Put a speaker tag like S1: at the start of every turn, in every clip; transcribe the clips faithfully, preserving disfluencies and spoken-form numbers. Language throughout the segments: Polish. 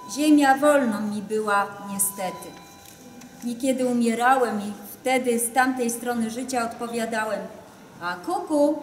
S1: Ziemia wolną mi była niestety. Niekiedy umierałem i wtedy z tamtej strony życia odpowiadałem: a kuku,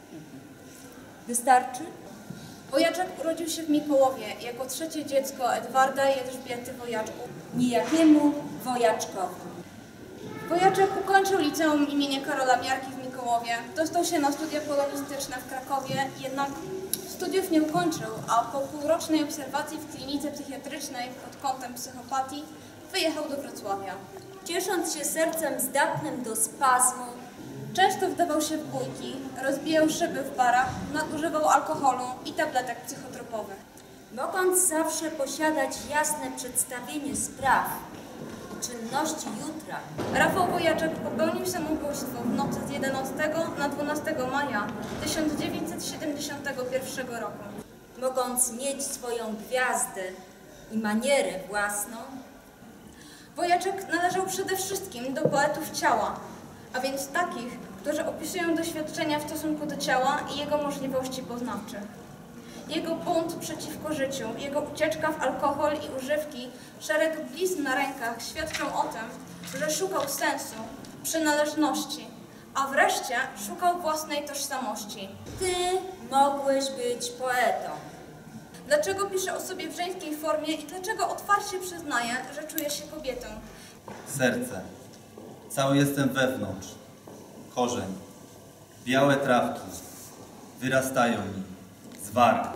S1: wystarczy?
S2: Wojaczek urodził się w Mikołowie jako trzecie dziecko Edwarda i Elżbiety Wojaczków.
S1: Niejakiemu Wojaczkowi.
S2: Wojaczek ukończył liceum imienia Karola Miarki w Mikołowie. Dostał się na studia polonistyczne w Krakowie, jednak studiów nie ukończył, a po półrocznej obserwacji w klinice psychiatrycznej pod kątem psychopatii wyjechał do Wrocławia.
S1: Ciesząc się sercem zdatnym do spazmu,
S2: często wdawał się w bójki, rozbijał szyby w barach, nadużywał alkoholu i tabletek psychotropowych.
S1: Mogąc zawsze posiadać jasne przedstawienie spraw i czynności jutra,
S2: Rafał Wojaczek popełnił samobójstwo w nocy z jedenastego na dwunastego maja tysiąc dziewięćset siedemdziesiątego pierwszego roku.
S1: Mogąc mieć swoją gwiazdę i manierę własną,
S2: Wojaczek należał przede wszystkim do poetów ciała, a więc takich, którzy opisują doświadczenia w stosunku do ciała i jego możliwości poznawczych. Jego bunt przeciwko życiu, jego ucieczka w alkohol i używki, szereg blizn na rękach świadczą o tym, że szukał sensu, przynależności, a wreszcie szukał własnej tożsamości.
S1: ty mogłeś być poetą.
S2: Dlaczego pisze o sobie w żeńskiej formie i dlaczego otwarcie przyznaje, że czuje się kobietą?
S3: Serce. Cały jestem wewnątrz. Korzeń. Białe trawki. Wyrastają mi. Z warg.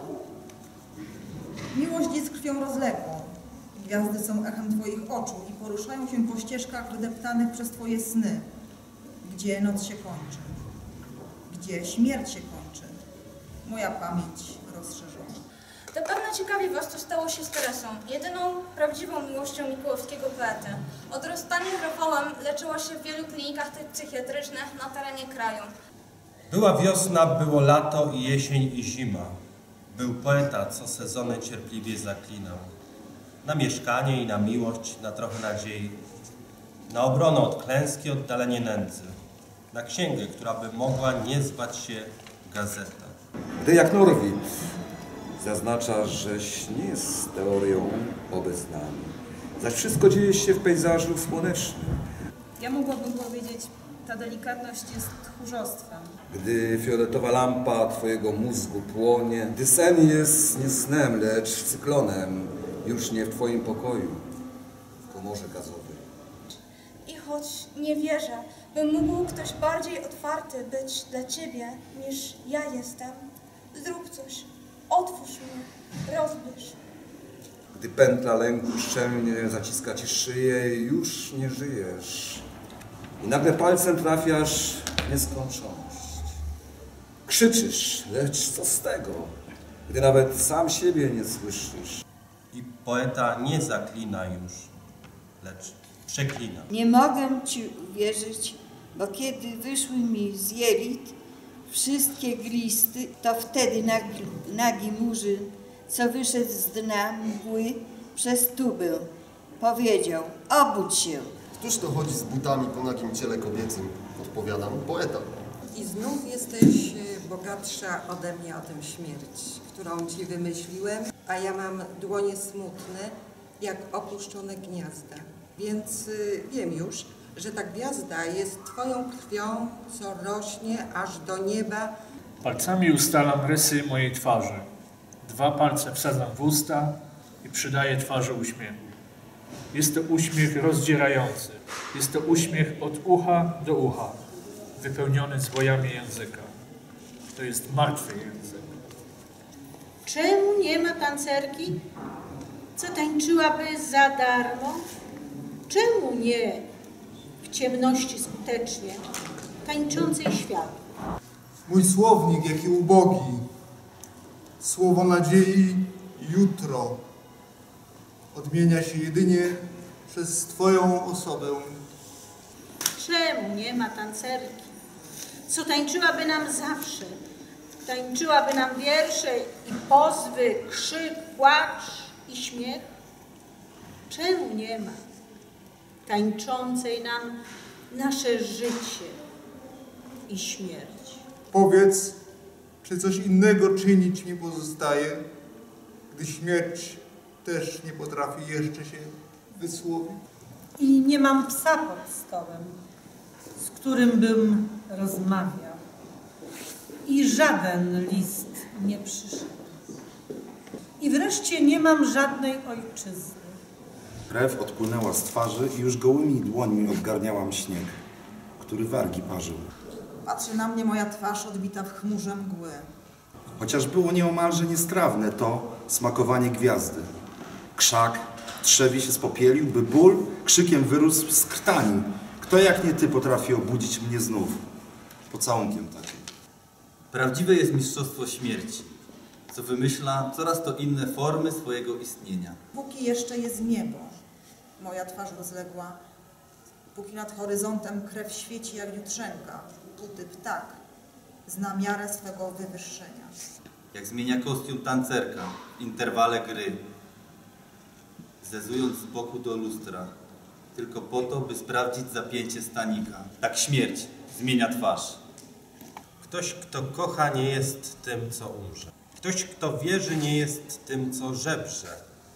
S4: Miłość jest krwią rozległą. Gwiazdy są echem Twoich oczu i poruszają się po ścieżkach wydeptanych przez Twoje sny. Gdzie noc się kończy. Gdzie śmierć się kończy. Moja pamięć rozszerzona.
S2: Zapewne ciekawi was, co stało się z Teresą, jedyną prawdziwą miłością mikołowskiego poety. Od rozstania z Rafałem leczyła się w wielu klinikach psychiatrycznych na terenie kraju.
S5: Była wiosna, było lato i jesień i zima. Był poeta, co sezony cierpliwie zaklinał. Na mieszkanie i na miłość, na trochę nadziei. Na obronę od klęski, oddalenie nędzy. Na księgę, która by mogła nie zwać się gazeta.
S6: Gdy jak Norwid zaznacza, żeś nie jest teorią obeznany, zaś wszystko dzieje się w pejzażu słonecznym.
S7: Ja mogłabym powiedzieć, ta delikatność jest tchórzostwem.
S6: Gdy fioletowa lampa twojego mózgu płonie, gdy sen jest nie snem, lecz cyklonem, już nie w twoim pokoju, w komorze gazowej.
S2: I choć nie wierzę, by mógł ktoś bardziej otwarty być dla ciebie niż ja jestem, zrób coś, otwórz mnie, rozbierz.
S6: Gdy pętla lęku szczelnie zaciska ci szyję, już nie żyjesz. I nagle palcem trafiasz w nieskończoność. Krzyczysz, lecz co z tego, gdy nawet sam siebie nie słyszysz.
S5: I poeta nie zaklina już, lecz przeklina.
S8: Nie mogę ci uwierzyć, bo kiedy wyszły mi z jelit wszystkie glisty, to wtedy nagi, nagi murzyn, co wyszedł z dna mgły przez tubę, powiedział: obudź się.
S9: Któż to chodzi z butami po nagim ciele kobiecym? Odpowiadam: poeta.
S10: I znów jesteś bogatsza ode mnie o tę śmierć, którą ci wymyśliłem, a ja mam dłonie smutne, jak opuszczone gniazda. Więc y, wiem już, że ta gwiazda jest twoją krwią, co rośnie aż do nieba.
S11: Palcami ustalam rysy mojej twarzy. Dwa palce wsadzam w usta i przydaję twarzy uśmiechu. Jest to uśmiech rozdzierający. Jest to uśmiech od ucha do ucha, wypełniony zwojami języka. To jest martwy język.
S7: Czemu nie ma tancerki, co tańczyłaby za darmo? Czemu nie w ciemności skutecznie, tańczącej świat?
S12: Mój słownik, jaki ubogi, słowo nadziei jutro odmienia się jedynie przez Twoją osobę.
S7: Czemu nie ma tancerki, co tańczyłaby nam zawsze? Tańczyłaby nam wiersze i pozwy, krzyk, płacz i śmiech? Czemu nie ma tańczącej nam nasze życie i śmierć?
S12: Powiedz, czy coś innego czynić mi pozostaje, gdy śmierć też nie potrafi jeszcze się wysłowić.
S13: I nie mam psa pod stołem, z którym bym rozmawiał. I żaden list nie przyszedł. I wreszcie nie mam żadnej ojczyzny.
S14: Krew odpłynęła z twarzy i już gołymi dłońmi odgarniałam śnieg, który wargi parzył.
S4: Patrzy na mnie moja twarz odbita w chmurze mgły.
S14: Chociaż było nieomalże niestrawne to smakowanie gwiazdy. Krzak trzewi się spopielił, by ból krzykiem wyrósł z krtani. Kto jak nie ty potrafi obudzić mnie znów? Pocałunkiem takim.
S3: Prawdziwe jest mistrzostwo śmierci, co wymyśla coraz to inne formy swojego istnienia.
S4: Póki jeszcze jest niebo, moja twarz rozległa, póki nad horyzontem krew świeci jak jutrzenka, póty ptak zna miarę swego wywyższenia.
S3: Jak zmienia kostium tancerka w interwale gry, zezując z boku do lustra, tylko po to, by sprawdzić zapięcie stanika. Tak śmierć zmienia twarz.
S5: Ktoś, kto kocha, nie jest tym, co umrze. Ktoś, kto wierzy, nie jest tym, co żebrze.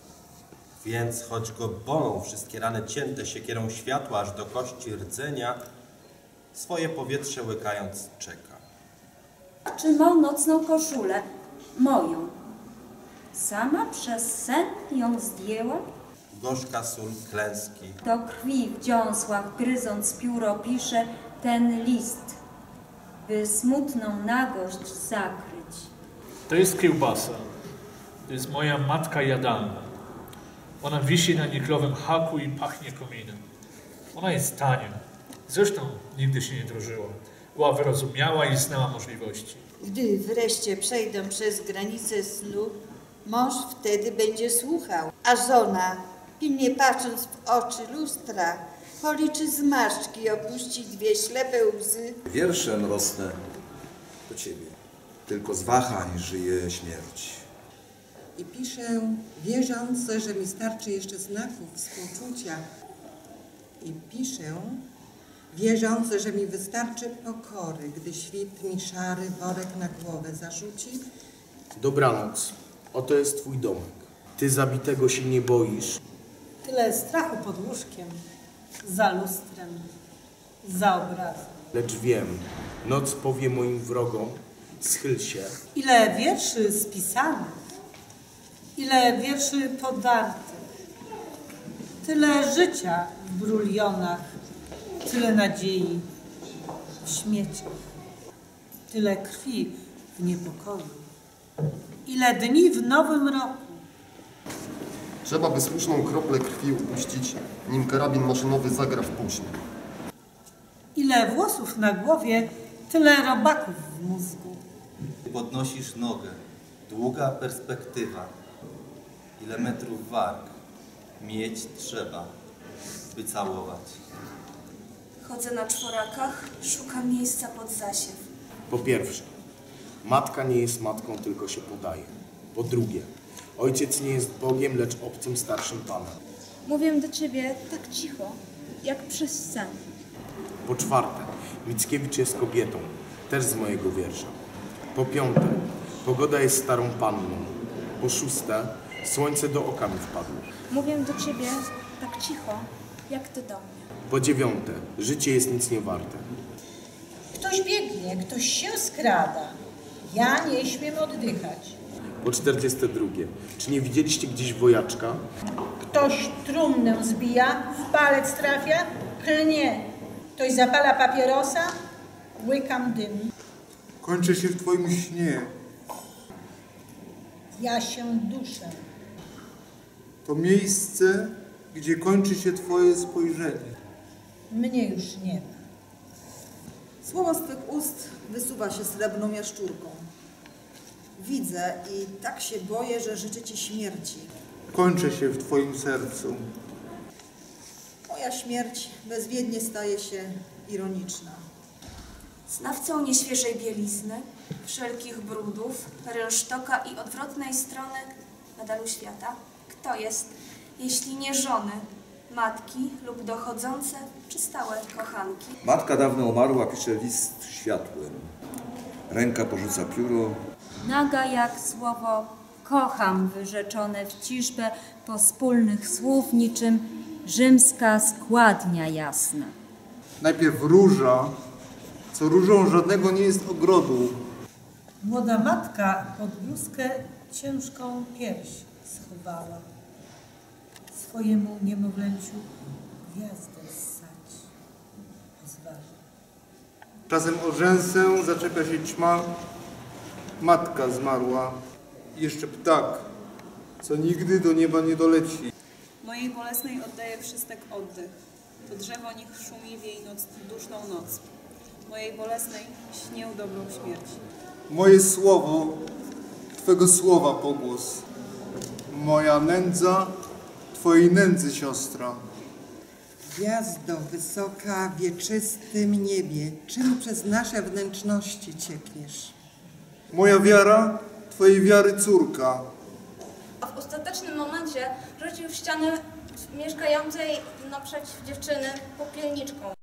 S5: Więc choć go bolą wszystkie rany cięte siekierą światła aż do kości rdzenia, swoje powietrze łykając czeka.
S1: Trzymał nocną koszulę, moją. Sama przez sen ją zdjęła?
S5: Gorzka sól klęski.
S1: Do krwi w dziąsłach gryząc pióro pisze ten list, by smutną nagość zakryć.
S11: To jest kiełbasa. To jest moja matka jadalna. Ona wisi na niklowym haku i pachnie kominem. Ona jest tania. Zresztą nigdy się nie drożyła. Była wyrozumiała i znała możliwości.
S8: Gdy wreszcie przejdę przez granicę snu, mąż wtedy będzie słuchał, a żona, pilnie patrząc w oczy lustra, policzy zmarszczki i opuści dwie ślepe łzy.
S6: Wierszem rosnę do ciebie, tylko z wahań żyje śmierć.
S10: I piszę, wierząc, że mi starczy jeszcze znaków współczucia. I piszę, wierząc, że mi wystarczy pokory, gdy świt mi szary worek na głowę zarzuci.
S15: Dobranoc. Oto jest twój domek. Ty zabitego się nie boisz.
S13: Tyle strachu pod łóżkiem, za lustrem, za obrazem.
S15: Lecz wiem, noc powie moim wrogom, schyl się.
S13: Ile wierszy spisanych, ile wierszy podartych, tyle życia w brulionach, tyle nadziei w śmieciach, tyle krwi w niepokoju, ile dni w nowym roku.
S9: Trzeba by słuszną kroplę krwi upuścić, nim karabin maszynowy zagra w później.
S13: Ile włosów na głowie, tyle robaków w mózgu.
S3: Podnosisz nogę, długa perspektywa. Ile metrów warg mieć trzeba, by całować.
S2: Chodzę na czworakach, szukam miejsca pod zasiew.
S15: Po pierwsze, matka nie jest matką, tylko się podaje. Po drugie, ojciec nie jest Bogiem, lecz obcym starszym Panem.
S2: Mówię do ciebie tak cicho, jak przez sen.
S15: Po czwarte, Mickiewicz jest kobietą, też z mojego wiersza. Po piąte, pogoda jest starą panną. Po szóste, słońce do oka mi wpadło.
S2: Mówię do ciebie tak cicho, jak ty do mnie.
S15: Po dziewiąte, życie jest nic nie warte.
S13: Ktoś biegnie, ktoś się skrada. Ja nie śmiem oddychać.
S15: Po czterdzieste drugie, czy nie widzieliście gdzieś wojaczka?
S13: Ktoś trumnę zbija, w palec trafia, klnie. Ktoś zapala papierosa, łykam dym.
S12: Kończę się w twoim śnie.
S13: Ja się duszę.
S12: To miejsce, gdzie kończy się twoje spojrzenie.
S13: Mnie już nie ma.
S4: Słowo z twych ust wysuwa się srebrną jaszczurką. Widzę i tak się boję, że życzę ci śmierci.
S12: Kończę się w twoim sercu.
S4: Moja śmierć bezwiednie staje się ironiczna.
S2: Znawcą nieświeżej bielizny, wszelkich brudów, rynsztoka i odwrotnej strony medalu świata, kto jest, jeśli nie żony, matki lub dochodzące czy stałe kochanki?
S6: Matka dawno umarła, pisze list światłem. Ręka porzuca pióro.
S1: Naga jak słowo kocham wyrzeczone w ciżbę pospólnych słów niczym rzymska składnia jasna.
S12: Najpierw róża, co różą żadnego nie jest ogrodu.
S13: Młoda matka pod bluzkę ciężką pierś schowała. Swojemu niemowlęciu gwiazdę ssać pozwala.
S12: Czasem o rzęsę zaczepia się ćma, matka zmarła. I jeszcze ptak, co nigdy do nieba nie doleci.
S7: Mojej bolesnej oddaję przystek oddech. To drzewo niech szumi w jej noc, duszną noc. Mojej bolesnej śnię dobrą śmierć.
S12: Moje słowo, Twego słowa pogłos. Moja nędza, Twojej nędzy siostra.
S10: Gwiazdo wysoka w wieczystym niebie, czym przez nasze wnętrzności ciekniesz?
S12: Moja wiara, Twojej wiary córka.
S2: A w ostatecznym momencie rzucił w ścianę mieszkającej naprzeciw dziewczyny popielniczką.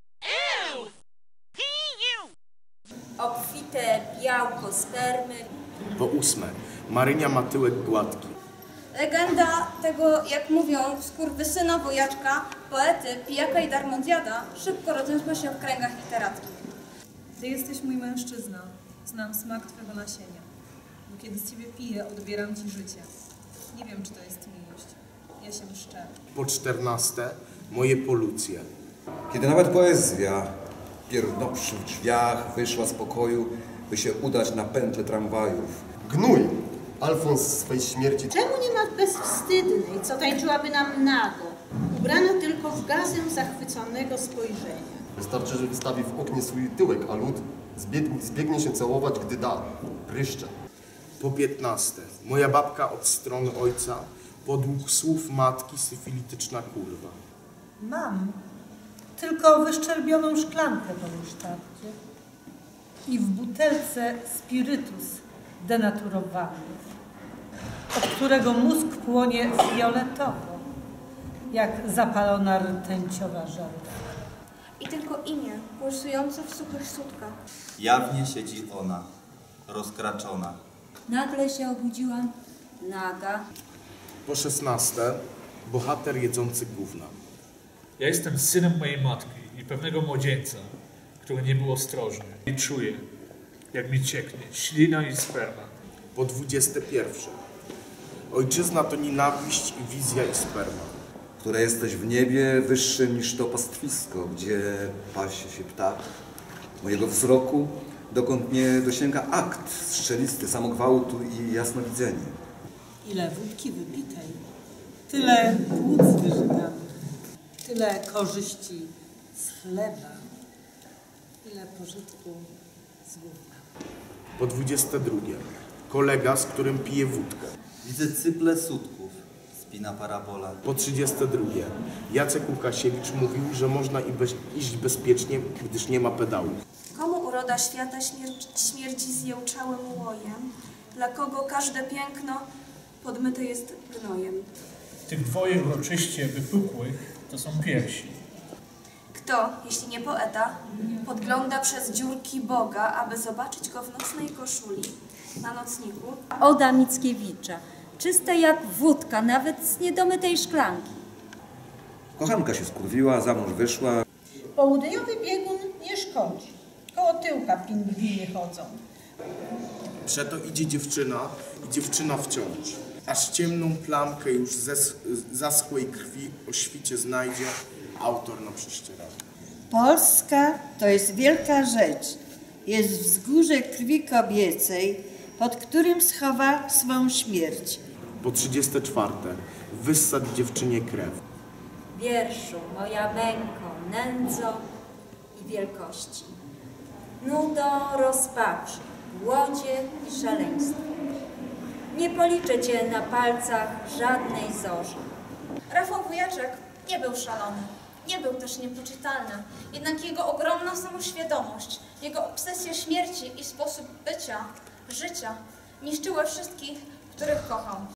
S1: Obfite białko spermy.
S15: Po ósme, Marynia ma tyłek gładki.
S2: Legenda tego, jak mówią, skurwysyna wojaczka, poety, pijaka i darmozjada szybko rozniosła się w kręgach literackich.
S7: Ty jesteś mój mężczyzna. Znam smak Twego nasienia. Bo kiedy z Ciebie piję, odbieram Ci życie. Nie wiem, czy to jest miłość. Ja się mszczę.
S15: Po czternaste, moje polucje.
S6: Kiedy nawet poezja, pierdnąwszy w drzwiach, wyszła z pokoju, by się udać na pętlę tramwajów.
S9: Gnój! Alfons swej śmierci.
S16: Czemu nie ma bezwstydnej, co tańczyłaby nam nago, ubrana tylko w gazę zachwyconego spojrzenia?
S9: Wystarczy, że wystawi w oknie swój tyłek, a lud zbiegnie, zbiegnie się całować, gdy da. Pryszcze.
S15: Po piętnaste, moja babka od strony ojca, podług słów matki syfilityczna kurwa.
S13: Mam tylko wyszczerbioną szklankę po musztardzie i w butelce spirytus denaturowany, od którego mózg płonie fioletowo, jak zapalona rtęciowa żarówka.
S2: I tylko imię, pulsujące w suchych sutkach.
S3: Jawnie siedzi ona, rozkraczona.
S1: Nagle się obudziłam, naga.
S15: Po szesnaste, bohater jedzący gówna.
S11: Ja jestem synem mojej matki i pewnego młodzieńca, który nie był ostrożny. I czuję, jak mi cieknie ślina i sperma.
S15: Po dwudzieste pierwsze, ojczyzna to nienawiść i wizja i sperma.
S6: Które jesteś w niebie wyższym niż to pastwisko, gdzie pasie się ptak. Mojego wzroku, dokąd nie dosięga akt strzelisty, samogwałtu i jasnowidzenie.
S13: Ile wódki wypitej, tyle płuc wyżyganych, tyle korzyści z chleba, ile pożytku z gówna.
S15: Po dwudzieste drugie, kolega, z którym pije wódkę.
S3: Widzę cyple sutków, spina parabola.
S15: Po trzydzieste drugie, Jacek Łukasiewicz mówił, że można i bez, iść bezpiecznie, gdyż nie ma pedałów.
S17: Komu uroda świata śmierci, śmierci zjełczałym łojem? Dla kogo każde piękno podmyte jest gnojem?
S11: Tych dwoje uroczyście wypukłych to są piersi.
S17: Kto, jeśli nie poeta, podgląda przez dziurki Boga, aby zobaczyć go w nocnej koszuli na nocniku?
S1: Oda Mickiewicza, czysta jak wódka, nawet z niedomytej szklanki.
S6: Kochanka się skurwiła, za mąż wyszła.
S16: Południowy biegun nie szkodzi. Koło tyłka pingwiny chodzą.
S15: Przeto idzie dziewczyna i dziewczyna wciąż. Aż ciemną plamkę już ze zaschłej krwi o świcie znajdzie autor na prześcieradle.
S8: Polska to jest wielka rzecz. Jest wzgórze krwi kobiecej, pod którym schowa swą śmierć.
S15: Po trzydzieste czwarte, wyssadź dziewczynie krew.
S1: Wierszu, moja męko, nędzo i wielkości. Nudo, rozpaczy, głodzie i szaleństwo. Nie policzę cię na palcach żadnej zorzy.
S2: Rafał Wujaczek nie był szalony, nie był też niepoczytalny, jednak jego ogromna samoświadomość, jego obsesja śmierci i sposób bycia, życia niszczyły wszystkich, których kochał.